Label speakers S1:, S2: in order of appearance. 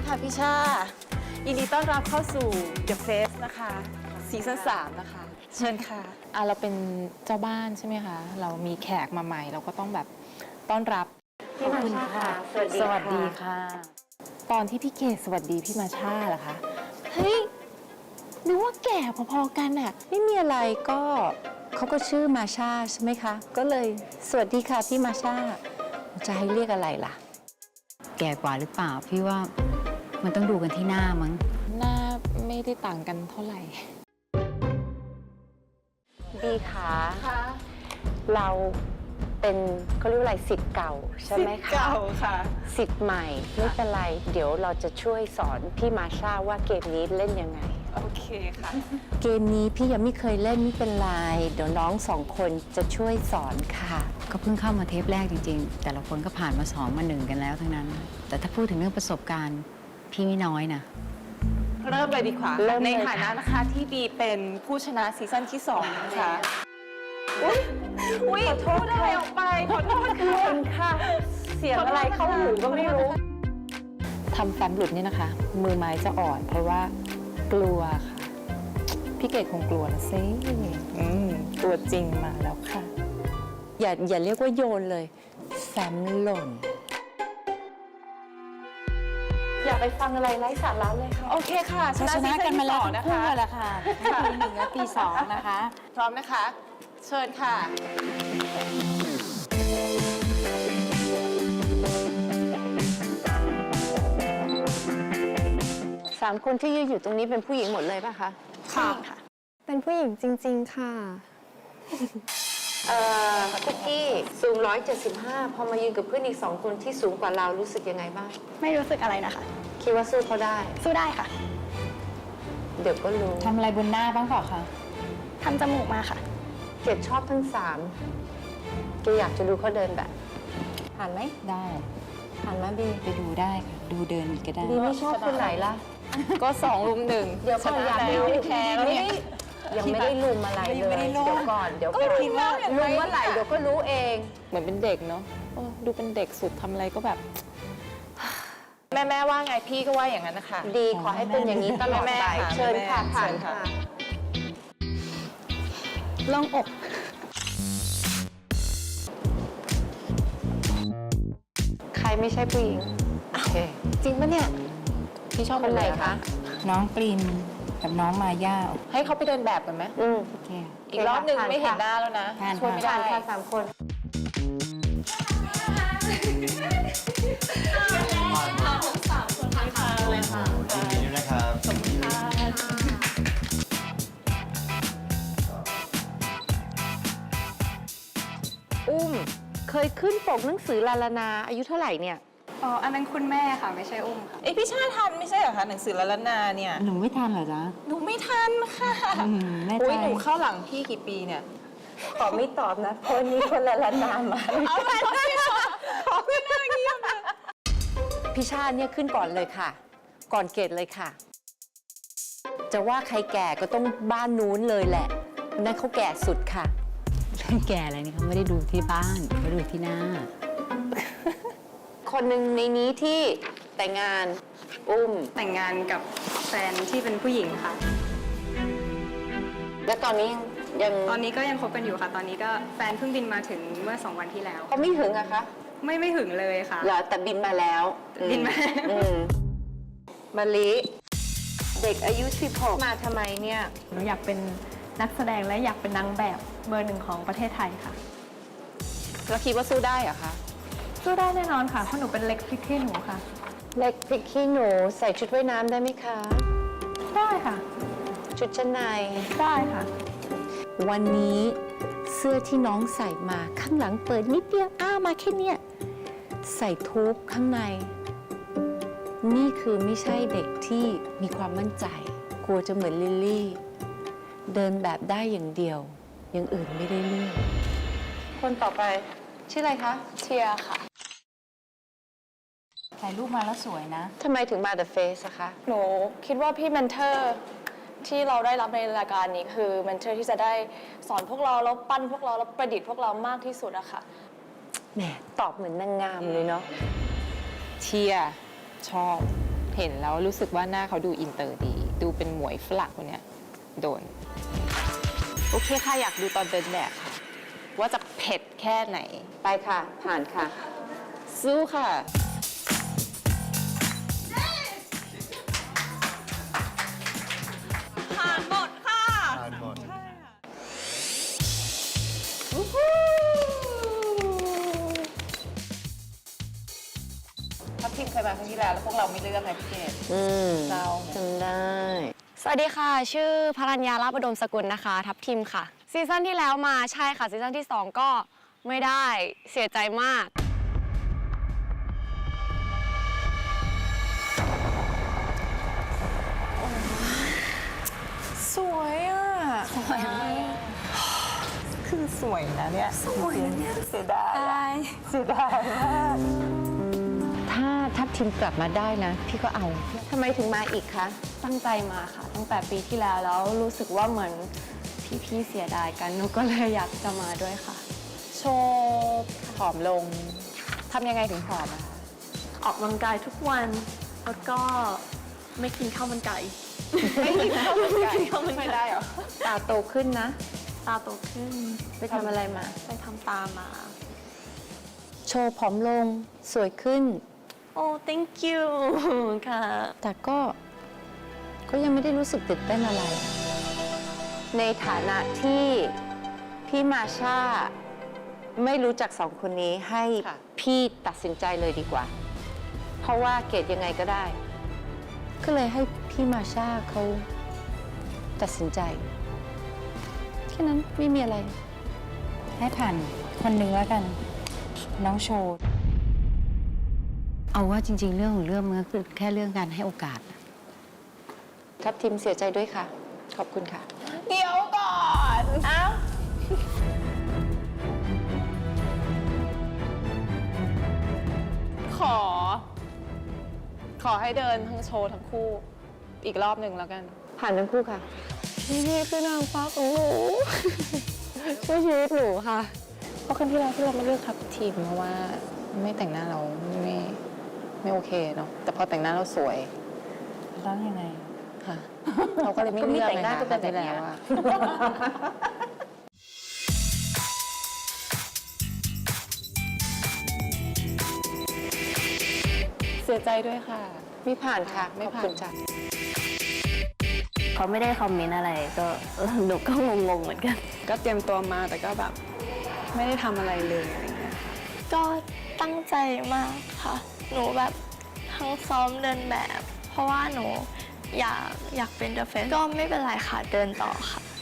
S1: ค่ะพี่ชายินดีต้อนรับเข้าสู่ The Face นะคะซีซั่น3นะคะเชิญค่ะ
S2: เราเป็นเจ้าบ้านใช่ไหมคะ เรามีแขกมาใหม่เราก็ต้องแบบต้อนรับ
S3: พี่มาชาค่ะ
S2: สวัสดีค่ะ ตอนที่พี่เกดสวัสดีพี่มาชาเหรอคะ เฮ้ยนึกว่าแก่พอๆกันอะ
S3: ไม่มีอะไรก็เขาก็ชื่อมาชาใช่ไหมคะ ก็เลยสวัสดีค่ะพี่มาชาจะให้เรียกอะไรล่ะ
S4: แก่กว่าหรือเปล่าพี่ว่ามันต้องดูกันที่หน้ามั้ง
S2: หน้าไม่ได้ต่างกันเท่าไหร่
S3: บีขาเราเป็นเขาเรียกว่าอะไรสิทธิ์เก่าใช่ไหมคะ
S1: เก่าค่ะ
S3: สิทธิ์ใหม่ไม่เป็นไร เดี๋ยวเราจะช่วยสอนพี่มาชาว่าเกมนี้เล่นยังไง
S1: โอเคค่ะ
S3: เกมนี้พี่ยังไม่เคยเล่นไม่เป็นไรเดี๋ยวน้อง2 คนจะช่วยสอนค่ะ
S4: ก็เพิ่งเข้ามาเทปแรกจริงๆ แต่ละคนก็ผ่านมา2มา1กันแล้วทั้งนั้น แต่ถ้าพูดถึงเรื่องประสบการณ์พี่ไม่น้อยนะ
S1: เริ่มเลยดีกว่า
S3: เริ่มเลย
S1: ในฐานะนะคะที่บีเป็นผู้ชนะซีซั่นที่2นะคะอุ้ยพูดอะไรออกไปขอโทษค่ะ
S3: ค่ะ เสียงอะไรเข้าหูก็ไม่รู้
S2: ทำแฟ้มหลุดนี่นะคะ มือไม้จะอ่อนเพราะว่ากลัวค่ะ พี่เกดคงกลัวนะซิตัวจริงมาแล้วค่ะ
S3: อย่าเรียกว่าโยนเลยแฟ้มหล่น อย่าไปฟังอะไรไร้สาระเลยค่ะ
S1: โอเคค่ะ
S2: ชนะกันมาแล้ว
S1: นะ
S2: คู่
S1: คะ
S2: แล้วค่ะปี1และปี2นะคะ
S1: พร้อมนะคะ เชิญค่ะ
S3: 3 คนที่ยืนอยู่ตรงนี้เป็นผู้หญิงหมดเลยป่ะคะ
S1: ค่ะ
S5: เป็นผู้หญิงจริงๆค่ะ
S3: คุกกี้สูง175 พอมายืนกับเพื่อนอีก2 คนที่สูงกว่าเรารู้สึกยังไงบ้าง
S5: ไม่รู้สึกอะไรนะคะ
S3: คิดว่าสู้เขาได้
S5: สู้ได้ค่ะ
S3: เดี๋ยวก็รู้
S2: ทำอะไรบนหน้าบ้างเปล่าคะ
S5: ทำจมูกมาค่ะ
S3: เกดชอบทั้ง3เกดอยากจะดูเขาเดินแบบ ผ่านไหม
S2: ได้
S3: ผ่านไหมบี
S2: ไปดูได้ค่ะ ดูเดินก็ได้
S3: บีไม่ชอบคนไหนล่ะ
S1: ก็2 รุม 1
S3: เดี๋ยวก่อนอยาก
S1: แล้ว
S3: รู้
S1: แพ้แล้วเนี่ย
S3: ยังไม่ได้ลุมอะไรเลย
S2: ไม่ได้ลุม
S3: เดี๋ยวก่อนเดี๋ยวก่อน
S1: ก็คิดว่าอย่างไร
S3: ลุมเมื่อไหร่เดี๋ยวก็รู้เอง
S2: เหมือนเป็นเด็กเนาะดูเป็นเด็กสุดทำอะไรก็แบบ
S1: แม่ว่าไงพี่ก็ว่าอย่างนั้นนะคะ
S3: ดีขอให้เป็นอย่างนี้ตลอด
S1: แม่
S3: ไป
S1: ค่ะ
S3: เชิญค่ะ
S1: แม่
S3: ผ่าน
S1: เชิญค่ะ
S3: ค่ะ
S5: ลงอก
S3: ใครไม่ใช่ผู้หญิงโอเค
S1: จริงปะเนี่ย
S2: พี่ชอบ
S3: คนไหน
S2: อ
S3: คะ
S2: น้องปริมกับน้องมาย่า
S1: ให้เขาไปเดินแบบกันไหม
S2: โอเค
S1: อีกรอบหนึ่ง
S3: ผ่าน
S1: ไม่เห็น
S3: ค่ะ
S1: หน้าแล้วนะ
S2: ผ่าน
S1: ช่วยไม่ได้
S3: ผ่านค่ะ3 คน
S6: ยินดีด้วยนะครับ
S3: อุ้มเคยขึ้นปกหนังสือลาลานาอายุเท่าไหร่เนี่ย
S5: อ๋อ อันนั้นคุณแม่ค่ะ ไม่ใช่อุ้มค่ะ
S1: เอ้ยพี่ชาทันไม่ใช่เหรอคะหนังสือละละนาเนี่ย
S4: หนูไม่ทันเหรอจ๊ะ
S1: หนูไม่ทันค่ะ
S4: แน่ใจ
S1: อุ้ยหนูเข้าหลังพี่กี่ปีเนี่ย
S3: ขอไม่ตอบนะคนนี้คนละลานามา
S1: เอาไปเลยค่ะขอขึ้นหน้าเงียบเลย
S3: พี่ชาติเนี่ยขึ้นก่อนเลยค่ะ ก่อนเกดเลยค่ะ จะว่าใครแก่ก็ต้องบ้านนู้นเลยแหละนั่นเขาแก่สุดค่ะ
S4: แก่อะไรนี่เขาไม่ได้ดูที่บ้านเขาดูที่หน้า
S3: คนหนึ่งในนี้ที่แต่งงานอุ้ม
S5: แต่งงานกับแฟนที่เป็นผู้หญิงค่ะ
S3: และตอนนี้ยัง
S5: ตอนนี้ก็ยังคบกันอยู่ค่ะ ตอนนี้ก็แฟนเพิ่งบินมาถึงเมื่อ2 วันที่แล้ว
S3: เขาไม่หึงอะคะ
S5: ไม่หึงเลยค่ะ
S3: เหรอแต่บินมาแล้ว
S5: บินมาแล้ว
S3: มะลิเด็กอายุ16มาทำไมเนี่ย
S7: หนูอยากเป็นนักแสดงและอยากเป็นนางแบบเบอร์ 1ของประเทศไทยค่ะ
S1: แล้วคิดว่าสู้ได้เหรอคะ
S7: สู้ได้แน่นอนค่ะ เพราะหนูเป็นเล็กพริกขี้หนูค่ะ
S3: เล็กพริกขี้หนูใส่ชุดว่ายน้ำได้ไหมคะ
S7: ได้ค่ะ
S3: ชุดชั้นใน
S7: ได้ค่ะ
S3: วันนี้เสื้อที่น้องใส่มาข้างหลังเปิดนิดเดียวมาแค่เนี้ยใส่ทูบข้างใน นี่คือไม่ใช่เด็กที่มีความมั่นใจ กลัวจะเหมือนลิลลี่ เดินแบบได้อย่างเดียวอย่างอื่นไม่ได้เรื่องคนต่อไป ชื่ออะไรคะ
S5: เชียร์ค่ะ
S4: ถ่ายรูปมาแล้วสวยนะ
S3: ทำไมถึงมา The Face อะคะ
S5: หนูคิดว่าพี่เมนเทอร์ที่เราได้รับในรายการนี้คือเมนเทอร์ที่จะได้สอนพวกเราแล้วปั้นพวกเราแล้วประดิษฐ์พวกเรามากที่สุดอะค่ะ
S3: แหมตอบเหมือนนางงามเลยเนาะ
S2: เชียร์ชอบเห็นแล้วรู้สึกว่าหน้าเขาดูอินเตอร์ดี ดูเป็นหมวยฝรั่งคนเนี้ยโดน โอเคค่ะ อยากดูตอนเดินแบบค่ะ ว่าจะเผ็ดแค่ไหน
S3: ไปค่ะ ผ่านค่ะ
S2: สู้ค่ะ
S6: ผ่านหมด
S2: ทัพทีมเคยมาครั้งที่แล้วแล้วพวกเราไม่เลือกไงพี่เกดเศร้าไง
S3: จำได้
S5: สวัสดีค่ะ ชื่อพรัญญาลาภอุดมสกุลนะคะ ทัพทีมค่ะ ซีซั่นที่แล้วมาใช่ค่ะ ซีซั่นที่ 2 ก็ไม่ได้เสียใจมาก
S1: สวยอ่ะ สวยมาก
S2: คือสวยนะเนี่ย สวยนะเนี่ยเสียดายเสียดายมาก
S3: ถ้าทัพทีมกลับมาได้นะ พี่ก็เอาทำไมถึงมาอีกคะ
S5: ตั้งใจมาค่ะ ตั้งแต่ปีที่แล้วแล้วรู้สึกว่าเหมือนพี่ๆเสียดายกันหนูก็เลยอยากจะมาด้วยค่ะ
S2: โชว์ผอมลง ทำยังไงถึงผอมอะคะ
S7: ออกกำลังกายทุกวัน แล้วก็ไม่กินข้าวมันไก่
S2: ไม่กินข้าวมันไก่ไม่ได้เหรอ
S3: ตาโตขึ้นนะ
S7: ตาโตขึ้น
S3: ไปทำอะไรมา
S7: ไปทำตามา
S3: โชว์ผอมลง สวยขึ้น
S7: โอ้ thank you ค่ะ
S3: แต่ก็ยังไม่ได้รู้สึกตื่นเต้นอะไร ในฐานะที่พี่มาชาไม่รู้จักสองคนนี้ให้
S2: ค่ะ
S3: พี่ตัดสินใจเลยดีกว่า เพราะว่าเกรดยังไงก็ได้ ก็เลยให้พี่มาชาเขาตัดสินใจแค่นั้นไม่มีอะไร
S4: ให้ผ่านคนหนึ่งแล้วกัน น้องโชว์ เอาว่าจริง ๆ เรื่องของเรื่องมันก็คือแค่เรื่องการให้โอกาส
S3: ทัพทีมเสียใจด้วยค่ะ ขอบคุณค่ะ
S1: เดี๋ยวก่อน เอ้า ขอให้เดินทั้งโชว์ทั้งคู่ อีกรอบหนึ่งแล้วกัน
S3: ผ่านทั้งคู่ค่ะ
S5: พี่คือนางฟ้าของหนู ช่วยชีวิตหนูค่ะ
S2: เพราะครั้งที่แล้วที่เราไม่เลือกทัพทีมเพราะว่าไม่แต่งหน้าเราไม่โอเคเนาะ แต่พอแต่งหน้าเราสวย
S4: แล้วยังไง
S2: ค่ะ เราก็เลยไม่เลือก
S3: ก็มีแต่งหน้าก็เป็น
S2: ครั้
S3: แบบเนี้ย
S2: ที่แล้วอะเสียใจด้วยค่ะ
S3: ไม่ผ่านค่ะ
S2: ไม่
S3: ขอบ
S2: ผ่าน
S3: คุณจ้ะ
S7: เขาไม่ได้คอมเมนต์อะไรก็หนูก็งงๆเหมือนกัน
S1: ก็เตรียมตัวมาแต่ก็แบบ ไม่ได้ทำอะไรเลยอะไรเงี้ย
S8: ก็ตั้งใจมากค่ะ หนูแบบทั้งซ้อมเดินแบบ เพราะว่าหนูอยากเป็น The Face ก็ไม่เป็นไรค่ะ เดินต่อค่ะ